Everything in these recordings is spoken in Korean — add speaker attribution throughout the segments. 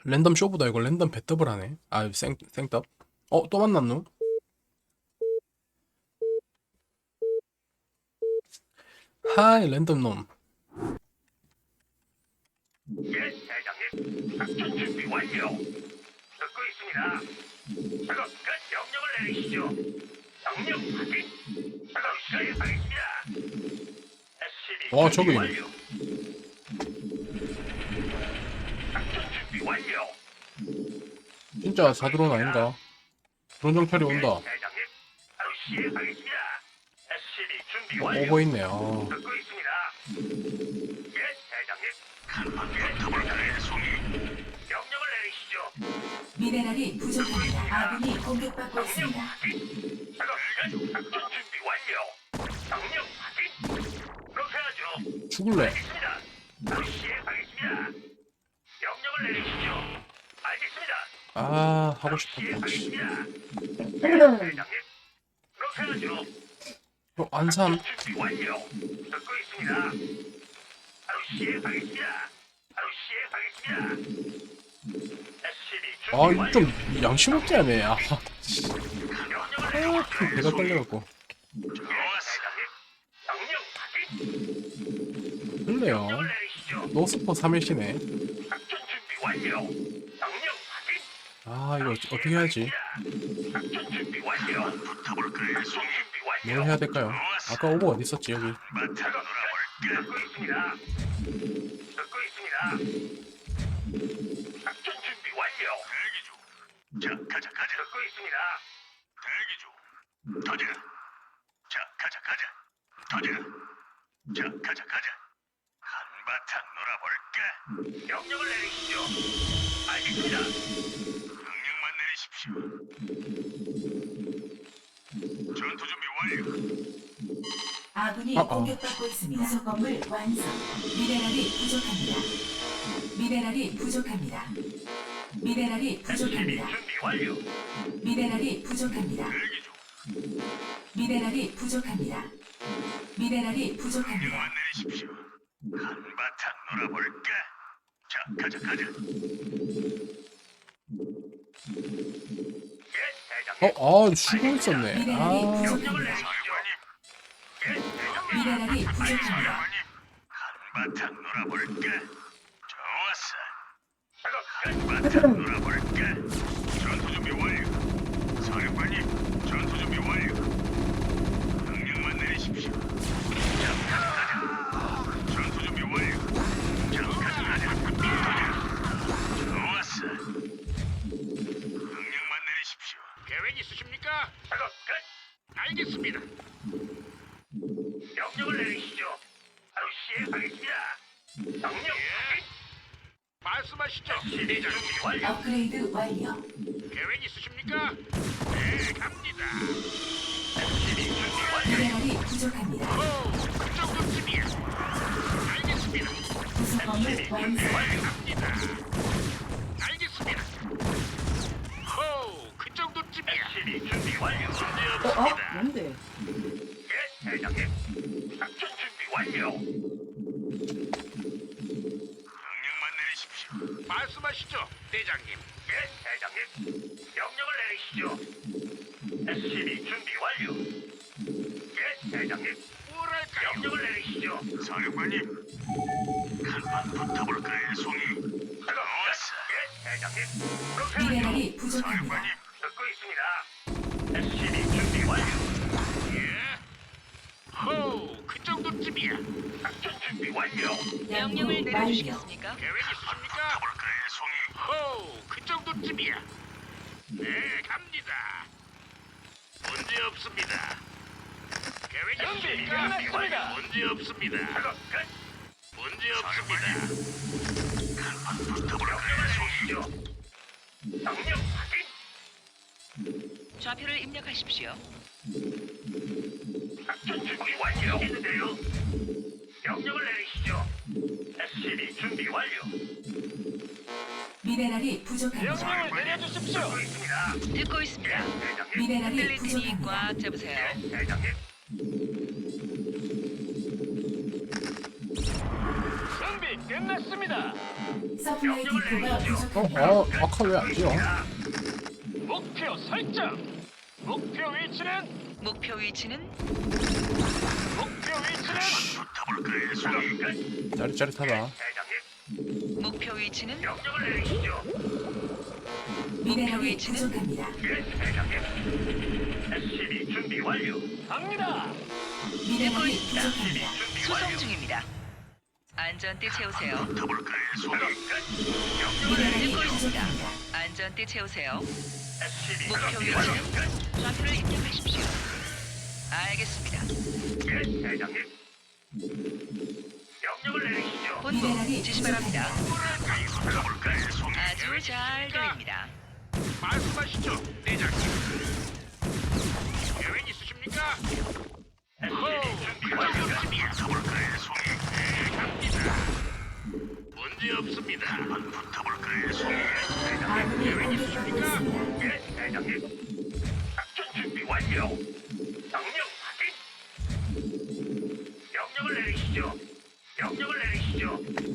Speaker 1: 랜덤 쇼보다 이거 랜덤 배더블 하네. 아, 생떡. 또 만났노? 하이, 랜덤 놈.
Speaker 2: 예, 대장님. 작전 준비 완료. 듣고 있습니다. 작업 끝. 명령을 내리시죠. 명령 확인. 작업 시작하겠습니다. SCB
Speaker 1: 저기.
Speaker 2: 준비 완료. 작전 준비 완료.
Speaker 1: 진짜 사드론 아닌가? 드론 정찰이
Speaker 2: 예,
Speaker 1: 온다.
Speaker 2: 대장님. 바로 시행하겠습니다. SCB 준비 완료.
Speaker 1: 오고 있네.
Speaker 2: 듣고 있습니다. 예, 대장님. 예, 대장님. 송이. 명령을 내리시죠.
Speaker 3: 미네랄이 부족합니다. 아군이 공격받고
Speaker 2: 명령
Speaker 3: 있습니다.
Speaker 2: 확인. 작업 끝. 작전 준비 완료. 명령 확인. 그렇게 하죠.
Speaker 1: 죽을래.
Speaker 2: 알겠습니다. 바로 시행하겠습니다. 명령을 내리시죠. 알겠습니다.
Speaker 1: 아, 하고
Speaker 2: 바로
Speaker 1: 싶었다. 씨.
Speaker 2: 시행하겠습니다. 대장님. 그렇게 하죠.
Speaker 1: 안산.
Speaker 2: 준비 완료. 듣고 있습니다. 바로 시행하겠습니다. 바로 시행하겠습니다. SCB 준비
Speaker 1: 이거
Speaker 2: 완료.
Speaker 1: 좀 양심 없지 않네.
Speaker 2: 명령을 내리시죠.
Speaker 1: 배가 떨려갖고.
Speaker 2: 대장님. 명령 확인.
Speaker 1: 그래요.
Speaker 2: 명령을 내리시죠.
Speaker 1: 노스포 3일시네.
Speaker 2: 작전 준비 완료. 명령 확인.
Speaker 1: 이거 어떻게 해야지?
Speaker 2: 작전 준비 완료. 붙어볼까요? 작전 준비 완료.
Speaker 1: 뭘 해야 될까요? 아까 오버 어디 있었지, 여기?
Speaker 2: 작업 끝. 듣고 있습니다. 듣고 있습니다. 작전 준비 완료. 대기 중. 자, 가자. 듣고 있습니다. 대기 중. 터져. 자, 가자. 터져. 자, 가자. 한바탕 놀아볼까? 명령을 내리시죠. 알겠습니다. 명령만 내리십시오. 전투 준비 완료.
Speaker 3: 아군이
Speaker 1: 아.
Speaker 3: 공격받고 있습니다. 부속 건물 완성. 미네랄이 부족합니다. 미네랄이 부족합니다. 미네랄이
Speaker 2: SCB
Speaker 3: 부족합니다.
Speaker 2: 준비 완료.
Speaker 3: 미네랄이 부족합니다.
Speaker 2: 대기 중.
Speaker 3: 미네랄이 부족합니다. 미네랄이 부족합니다.
Speaker 2: 명령만 내리십시오. 한바탕 놀아볼까? 자, 가자. 예, 대장님.
Speaker 1: 쉬고 있었네.
Speaker 3: 미네랄이
Speaker 2: 명령을
Speaker 3: 부족합니다.
Speaker 2: 내리시죠. 예, 대장님.
Speaker 3: 미네랄이 부족합니다.
Speaker 2: 한바탕 놀아볼까? 좋았어. 한바탕 놀아볼까? 전투 준비 완료. 사령관님, 전투 준비 완료. 명령만 내리십시오. 자, 가자. 전투 준비 완료. 자, 가자. 좋았어. 명령만 내리십시오. 계획 있으십니까? 작업 끝. 알겠습니다. 명령을 내리시죠. 바로 시행하겠습니다. 명령 확인. 말씀하시죠. 대장님 완료.
Speaker 3: 업그레이드 완료.
Speaker 2: 계획 있으십니까? 네, 갑니다. SCB 준비 완료.
Speaker 3: 미네랄이 부족합니다.
Speaker 2: 그 정도쯤이야. 알겠습니다.
Speaker 3: 부속 건물
Speaker 2: SCB 준비
Speaker 3: 완성.
Speaker 2: 완료. 갑니다. 알겠습니다. 그 정도쯤이야. SCB 준비 완료. 문제 없습니다.
Speaker 4: 뭔데?
Speaker 2: 예, 대장님. 작전 준비 완료. 명령만 내리십시오. 말씀하시죠, 대장님. 예, 대장님. 명령을 내리시죠. SCB 준비 완료. 예, 대장님. 뭐랄까요? 명령을 내리시죠. 사령관님. 한판 붙어볼까요, 송이? 좋았어. 예, 대장님. 그렇게 하죠.
Speaker 3: 미네랄이 부족합니다.
Speaker 2: 사령관님, 듣고 있습니다. SCB 준비 완료. 예. 그 정도쯤이야. 작전 준비 완료.
Speaker 5: 명령을
Speaker 3: 완료.
Speaker 5: 내려주시겠습니까?
Speaker 2: 계획 있으십니까? 볼까요, 송이? 그 정도쯤이야. 네, 갑니다. 문제 없습니다. 계획 있으십니까? 문제 없습니다. 작업 끝. 문제 없습니다. 간판 붙어볼까요, 송이죠? 명령 확인.
Speaker 5: 좌표를 입력하십시오.
Speaker 2: 작전 준비 완료. 있는데요. 명령을 내리시죠. SCB 준비 완료.
Speaker 3: 미네랄이 부족합니다.
Speaker 2: 내려주십시오. 듣고 있습니다.
Speaker 5: 듣고 있습니다.
Speaker 2: 대장님.
Speaker 3: 미네랄이
Speaker 5: 흔들릴 테니
Speaker 3: 부족합니다.
Speaker 5: 꽉 잡으세요.
Speaker 2: 예, 대장님. 준비 끝났습니다.
Speaker 3: 서플라이 디포가 부족합니다.
Speaker 1: 아까 왜 안 지어?
Speaker 2: 목표 설정. 목표 위치는
Speaker 5: 목표 위치는
Speaker 2: 붙어볼까요, 송이?
Speaker 1: 짜릿짜릿하다.
Speaker 2: 대장님,
Speaker 5: 목표 위치는
Speaker 2: 명령을 내리시죠.
Speaker 3: 미네랄이 부족합니다.
Speaker 2: 예, 대장님. SCB 준비 완료. 갑니다.
Speaker 3: 미네랄이 부족합니다.
Speaker 2: 준비
Speaker 5: 수송
Speaker 2: 완료.
Speaker 5: 중입니다. 안전띠 채우세요.
Speaker 2: 붙어볼까요, 송이?
Speaker 3: 미네랄이
Speaker 5: 듣고 있습니다.
Speaker 3: 부족합니다.
Speaker 5: 안전띠 채우세요.
Speaker 2: SCB
Speaker 5: 목표
Speaker 2: 준비
Speaker 5: 위치는
Speaker 2: 완료.
Speaker 5: 좌표를 입력하십시오. 알겠습니다.
Speaker 2: 예, 대장님. 명령을 내리시죠.
Speaker 5: 본부
Speaker 3: 미네랄이
Speaker 5: 지시 바랍니다.
Speaker 2: 붙어볼까요, 송이?
Speaker 5: 아주 잘 들립니다.
Speaker 2: 말씀하시죠, 대장님. 계획 있으십니까? SCB 준비 완료. 붙어볼까요, 송이? 네, 갑니다. 문제 없습니다. 붙어볼까요, 송이?
Speaker 3: 아군이
Speaker 2: 계획
Speaker 3: 공격받고
Speaker 2: 있으십니까?
Speaker 3: 있습니다.
Speaker 2: 예, 대장님. 작전 준비 완료. 명령 확인. 명령을 내리시죠. 명령을 내리시죠.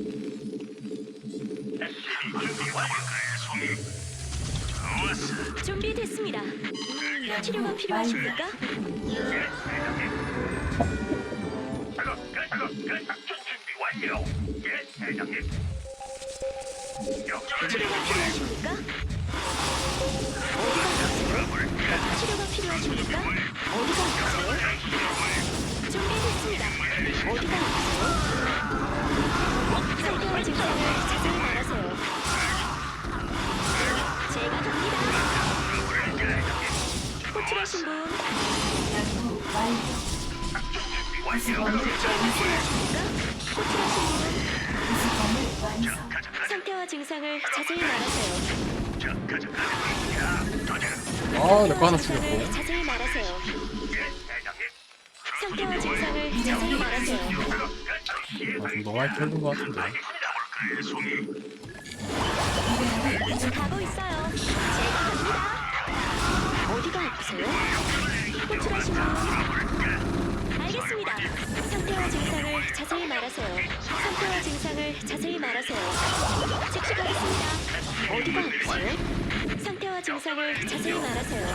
Speaker 2: SCB 준비 완료. 송이. 좋았어.
Speaker 4: 준비됐습니다. 치료가 필요하십니까?
Speaker 2: 예, 대장님. 작업 끝. 작업 끝. 작전 준비 완료. 예, 대장님. 명령을
Speaker 4: 치료가
Speaker 2: 내리시죠.
Speaker 4: 필요하십니까? 어디가 아프세요? 치료가 필요하십니까? 어디가 아프세요? 준비됐습니다. 어디가 아프세요? 상태와 증상을 자세히 말하세요. 제가 갑니다. 호출하신 분,
Speaker 3: 연구 완료.
Speaker 2: 완료.
Speaker 4: 필요하십니까? 호출하신 분,
Speaker 3: 구성을 완성.
Speaker 4: 상태와 증상을 자세히 말하세요.
Speaker 1: 내 거 하나
Speaker 4: 증상을
Speaker 1: 죽였고.
Speaker 4: 자세히 말하세요.
Speaker 2: 예, 대장님.
Speaker 4: 상태와 증상을 자세히 말하세요.
Speaker 1: 좀 너무 많이 털린 것 같은데.
Speaker 3: 미네랄이 부족.
Speaker 4: 가고 있어요. 제가 갑니다. 어디가 아프세요? 호출하신 분. 알겠습니다. 상태와 증상을 자세히 말하세요. 상태와 증상을 자세히 말하세요. 즉시 가겠습니다. 어디가 아프세요? 상태와 증상을 자세히 말하세요.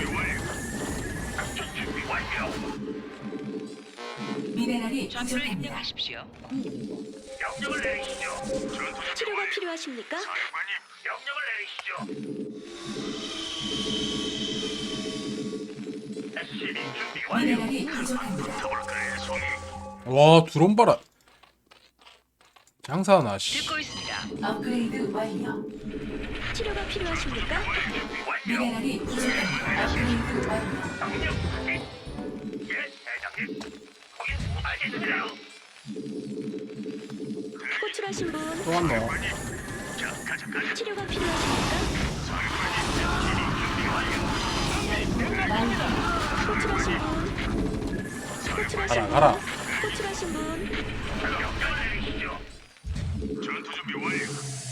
Speaker 3: 미네랄이
Speaker 5: 좌표를
Speaker 3: 부족합니다.
Speaker 5: 입력하십시오.
Speaker 2: 명령을 내리시죠.
Speaker 4: 치료가 필요하십니까?
Speaker 2: 명령을 내리시죠. SCB 준비 완료.
Speaker 3: 미네랄이 부족합니다.
Speaker 1: 와 드론 봐라. 장사하나 씨.
Speaker 5: 듣고 있습니다.
Speaker 3: 업그레이드 완료.
Speaker 4: 치료가 필요하십니까?
Speaker 3: 미네랄이 부족합니다. 업그레이드 완료.
Speaker 2: 명령 확인. 예, 대장님. 거긴 알겠습니다.
Speaker 4: 호출하신 분.
Speaker 1: 또 왔노.
Speaker 4: 치료가 필요하십니까? 호출하신 분. 호출하신
Speaker 1: 가라.
Speaker 4: 분. 호출하신 분.
Speaker 2: 명령을 내리시죠. 전투 준비 완료.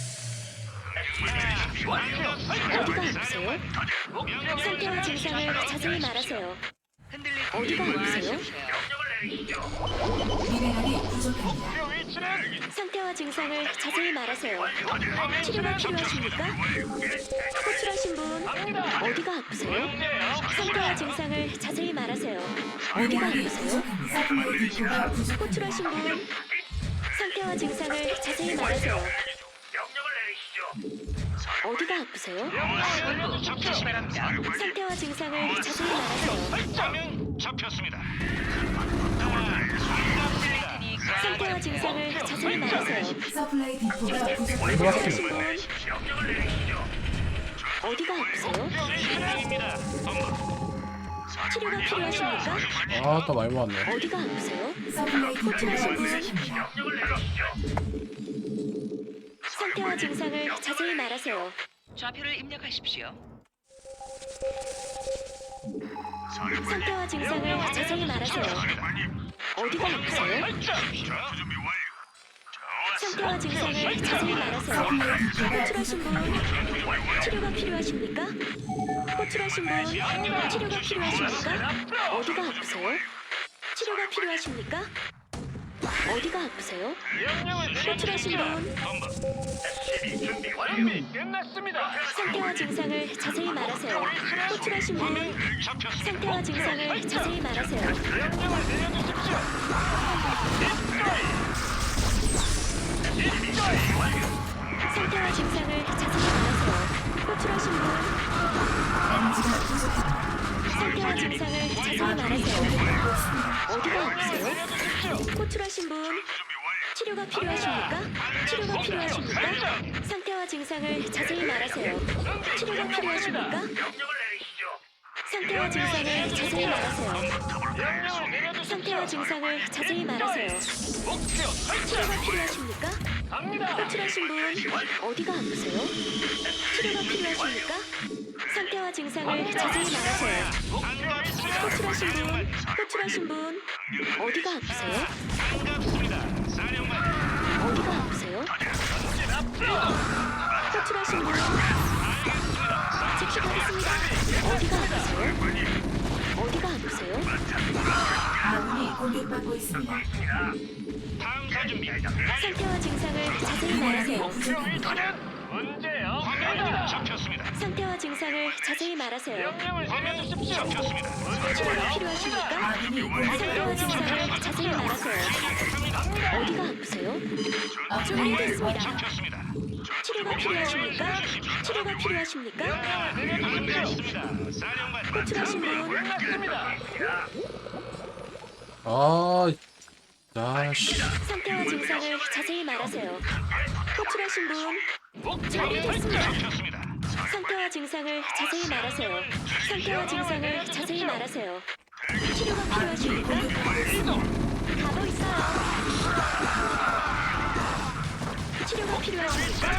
Speaker 2: SCB 완료.
Speaker 4: 어디가 아프세요? 상태와 증상을 자세히 말하세요.
Speaker 5: 흔들릴
Speaker 4: 어디가
Speaker 5: 때
Speaker 4: 아프세요?
Speaker 5: 말씀하세요.
Speaker 2: 명령을 내리시죠.
Speaker 3: 미네랄이 부족합니다.
Speaker 2: 위치는
Speaker 4: 상태와 증상을 자세히 말하세요. 치료가 필요하십니까? 호출하신 분. 어디가 아프세요? 상태와 증상을 자세히 말하세요. 어디가
Speaker 3: 미네랄이
Speaker 4: 아프세요?
Speaker 3: 부족합니다. 서플라이 디포가 부족합니다.
Speaker 4: 호출하신 분. 상태와 증상을 자세히 말하세요.
Speaker 2: 명령을 내리시죠.
Speaker 4: 어디가 아프세요?
Speaker 5: 본부 지시 바랍니다.
Speaker 4: 상태와 증상을 자세히 말하세요.
Speaker 2: 화면 잡혔습니다.
Speaker 5: 테니
Speaker 4: 상태와 증상을 자세히 말하세요.
Speaker 3: 서플라이 디포가 부족합니다.
Speaker 4: 호출하신 분.
Speaker 2: 명령을 내리시죠.
Speaker 4: 어디가 아프세요? 치료가 필요하십니까?
Speaker 1: 또 많이 모았네.
Speaker 4: 어디가 아프세요?
Speaker 3: 서플라이 디포가
Speaker 4: 호출하신 분.
Speaker 3: 부족합니다.
Speaker 2: 명령을 내리시죠.
Speaker 4: 상태와 증상을 자세히 말하세요.
Speaker 5: 좌표를 입력하십시오.
Speaker 4: 상태와 증상을 자세히 말하세요. 어디가 아프세요? 상태와 증상을 자세히 말하세요. 호출하신 분. 치료가 필요하십니까? 호출하신 분. 치료가 필요하십니까? 어디가 아프세요? 치료가 필요하십니까? 어디가 아프세요?
Speaker 6: 명령을
Speaker 4: 호출하신 분
Speaker 2: 본부 SCB 준비 완료.
Speaker 6: 준비 끝났습니다.
Speaker 4: 상태와 증상을 자세히 말하세요. 호출하신 분
Speaker 2: 잡혔습니다.
Speaker 4: 상태와 증상을 자세히 말하세요.
Speaker 6: 명령을 내려주십시오.
Speaker 4: 상태와 증상을 자세히 말하세요. 호출하신 분
Speaker 3: 에너지가 부족합니다.
Speaker 4: 상태와 증상을 자세히 말하세요.
Speaker 3: 공격받고 있습니다.
Speaker 4: 어디가 아프세요?
Speaker 6: 내려주십시오.
Speaker 4: 호출하신 분 치료가 필요하십니까? 치료가 필요하십니까? 상태와 증상을 자세히 말하세요. 치료가 필요하십니까?
Speaker 2: 명령을 내리시죠.
Speaker 4: 상태와 증상을 자세히 말하세요.
Speaker 6: 명령을 내려주십시오.
Speaker 4: 상태와 증상을 자세히 말하세요.
Speaker 6: 목표 설정.
Speaker 4: 치료가 필요하십니까?
Speaker 6: 갑니다.
Speaker 4: 호출하신 분 어디가 아프세요? 치료가 필요하십니까? 상태와 증상을 자세히 말하세요.
Speaker 6: 목표 위치는
Speaker 4: 호출하신 분 어디가 아프세요?
Speaker 2: 반갑습니다. 사령관.
Speaker 4: 어디가 아프세요?
Speaker 6: 전진 앞으로.
Speaker 4: 호출하신 분 즉시 가겠습니다. 어디가 아프세요? 어디가 아프세요?
Speaker 3: 아군이 공격받고 있습니다.
Speaker 2: 탐사 준비.
Speaker 4: 상태와 증상을 자세히 말하세요.
Speaker 6: 목표 위치는 문제 없습니다.
Speaker 2: 잡혔습니다.
Speaker 4: 상태와 증상을 자세히 말하세요.
Speaker 6: 명령을 내려주십시오.
Speaker 2: 잡혔습니다.
Speaker 6: 문제
Speaker 4: 치료가 필요하십니까?
Speaker 3: 아군이
Speaker 4: 상태와
Speaker 3: 공격받고
Speaker 4: 증상을 자세히 말하세요. 어디가 아프세요? 준비됐습니다.
Speaker 2: 잡혔습니다.
Speaker 4: 치료가 필요하십니까? 치료가 필요하십니까?
Speaker 6: 내려주십시오.
Speaker 2: 사령관.
Speaker 4: 호출하신 분
Speaker 6: 끝났습니다.
Speaker 1: 씨.
Speaker 4: 상태와 증상을 자세히 말하세요. 호출하신 분
Speaker 6: 목표
Speaker 4: 준비됐습니다.
Speaker 2: 잡혔습니다.
Speaker 4: 상태와 증상을 자세히 말하세요. 상태와 증상을 자세히 말하세요. 치료가 필요하십니까? 가고 있어요. 치료가 필요하십니까?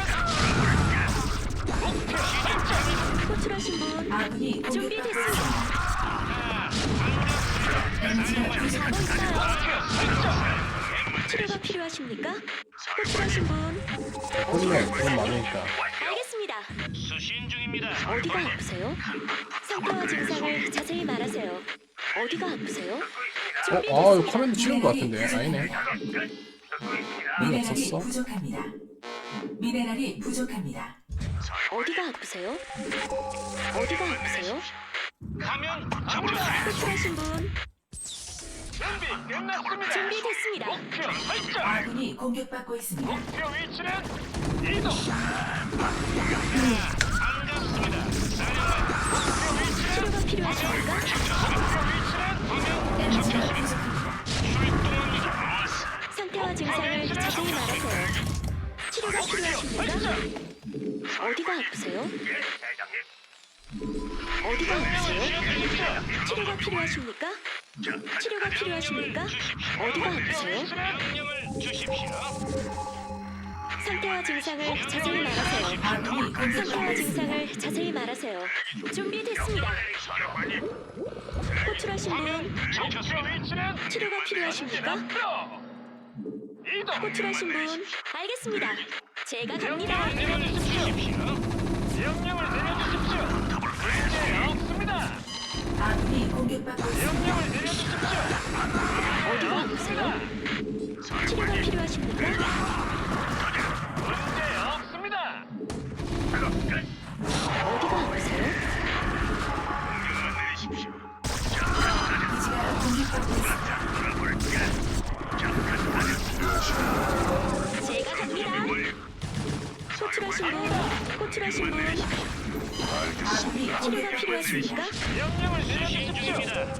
Speaker 4: 호출하신 분
Speaker 3: 아군이 공격받고
Speaker 4: 준비됐습니다.
Speaker 3: 있습니다. 에너지가
Speaker 4: 가고
Speaker 3: 부족합니다.
Speaker 4: 있어요. 치료가 필요하십니까? 호출하신 분
Speaker 1: 혼내 돈 많으니까.
Speaker 4: 알겠습니다.
Speaker 2: 수신 중입니다.
Speaker 4: 어디가 아프세요? 상태와 증상을 자세히 말하세요. 어디가 아프세요?
Speaker 1: 이거 커맨드 치는 것 같은데 아니네. 의미
Speaker 3: 미네랄이
Speaker 1: 없었어?
Speaker 3: 부족합니다. 미네랄이 부족합니다.
Speaker 4: 어디가 아프세요? 어디가 아프세요?
Speaker 2: 가면
Speaker 4: 호출하신 분
Speaker 6: 준비 끝났습니다.
Speaker 4: 준비됐습니다.
Speaker 6: 목표 설정.
Speaker 3: 아군이 공격받고 있습니다.
Speaker 6: 목표 위치는 이동.
Speaker 4: 치료가 필요하십니까?
Speaker 3: 에너지가 부족합니다.
Speaker 4: 상태와 증상을 자세히 말하세요. 치료가 필요하십니까? 어디가 아프세요? 어디가 아프세요? 치료가 필요하십니까? 치료가 필요하십니까? 어디가 아프세요?
Speaker 2: 명령을 주십시오.
Speaker 4: 상태와 증상을 자세히 말하세요.
Speaker 3: 아군이
Speaker 4: 상태와
Speaker 3: 공격받고 있습니다.
Speaker 4: 증상을 자세히 말하세요. 준비됐습니다. 호출하신 분
Speaker 6: 목표 위치는
Speaker 4: 치료가 필요하십니까?
Speaker 6: 앞으로. 이동.
Speaker 4: 호출하신 분 알겠습니다. 제가 갑니다.
Speaker 6: 명령을 내려주십시오. 명령을 내려주십시오. 문제 없습니다.
Speaker 3: 아군이 공격받고 있습니다.
Speaker 6: 명령을 내려주십시오.
Speaker 4: 어디가 아프세요? 치료가 필요하십니까?
Speaker 6: 문제 없습니다.
Speaker 4: 어디가 아프세요?
Speaker 3: 기지가 공격받고 있습니다.
Speaker 4: 제가 갑니다. 호출하신 분, 호출하신 분
Speaker 3: 아군이
Speaker 4: 치료가
Speaker 3: 공격받고
Speaker 4: 필요하십니까?
Speaker 6: 명령을 내려주십시오.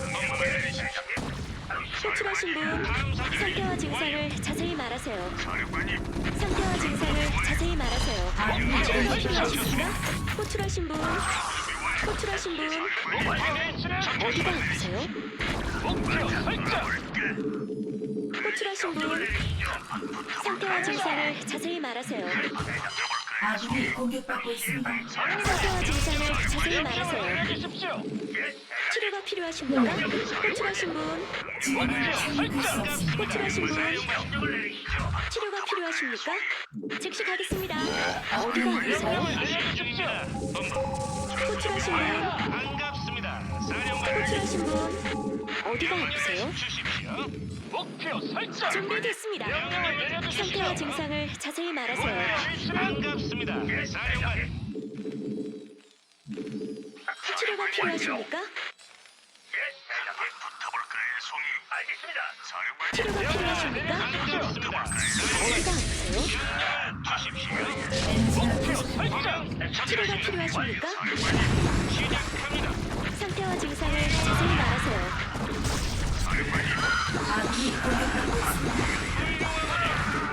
Speaker 4: 호출하신 분 상태와 증상을 자세히 말하세요. 상태와 증상을 자세히 말하세요. 치료가 필요하십니까? 호출하신 분, 호출하신 분
Speaker 6: 목표 위치는
Speaker 4: 어디가 아프세요?
Speaker 6: 목표 설정.
Speaker 4: 호출하신 분 상태와 증상을 자세히 말하세요.
Speaker 3: 아군이 공격받고 있습니다.
Speaker 4: 상태와 증상을 자세히 말하세요.
Speaker 6: 내려주십시오.
Speaker 4: 치료가 필요하십니까? 호출하신 분
Speaker 3: 지원을 착륙할 수 없습니다.
Speaker 4: 호출하신 분 치료가 필요하십니까? 즉시 가겠습니다. 어디가 아프세요?
Speaker 6: 내려주십시오.
Speaker 4: 호출하신 분
Speaker 2: 반갑습니다. 사령관.
Speaker 4: 호출하신 분 어디가 아프세요?
Speaker 2: 주십시오.
Speaker 6: 목표 설정.
Speaker 4: 준비됐습니다. 필요합니다.
Speaker 6: 명령을 내려주십시오.
Speaker 4: 상태와 증상을 자세히 말하세요.
Speaker 6: 반갑습니다. 사령관.
Speaker 4: 치료가 필요하십니까?
Speaker 2: 예, 대장님. 붙어볼까요, 송이? 알겠습니다. 사령관님.
Speaker 4: 치료가 필요하십니까?
Speaker 6: 반갑습니다.
Speaker 4: 어디가 아프세요?
Speaker 6: 목표 설정.
Speaker 4: 치료가 필요하십니까?
Speaker 6: 시작합니다.
Speaker 4: 상태와 증상을 자세히 말하세요.
Speaker 3: 아군이 공격받고 있습니다.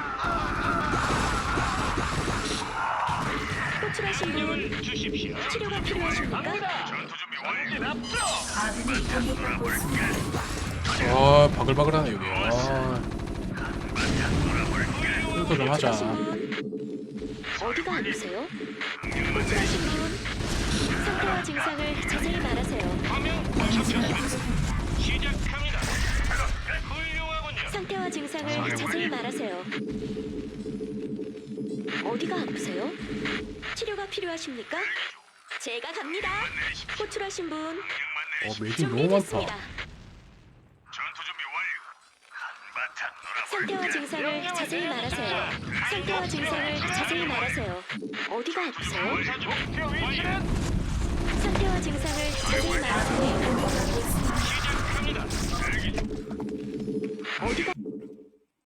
Speaker 4: 호출하신 분
Speaker 6: 주십시오.
Speaker 4: 치료가 필요하십니까?
Speaker 2: 전투 준비 완료.
Speaker 6: 전진 앞으로.
Speaker 3: 아군이 공격받고 있습니다.
Speaker 1: 아 바글바글하네 여기. 아 이거 좀 하자.
Speaker 4: 호출하신 분 어디가 아프세요? 호출하신 분 상태와 증상을 자세히 말하세요.
Speaker 6: 화면
Speaker 3: 에너지가
Speaker 6: 잡혔습니다.
Speaker 3: 부족합니다.
Speaker 6: 시작합니다. 훌륭하군요.
Speaker 4: 상태와 증상을 자세히 말하세요. 어디가 아프세요? 치료가 필요하십니까? 제가 갑니다. 호출하신 분
Speaker 1: 메이징 너무 많다.
Speaker 4: 준비됐습니다.
Speaker 2: 전투 준비 완료. 한바탕 놀아볼까?
Speaker 4: 상태와 증상을 자세히 말하세요. 상태와 증상을 자세히 말하세요. 어디가 아프세요?
Speaker 6: 목표 위치는
Speaker 4: 상태와 증상을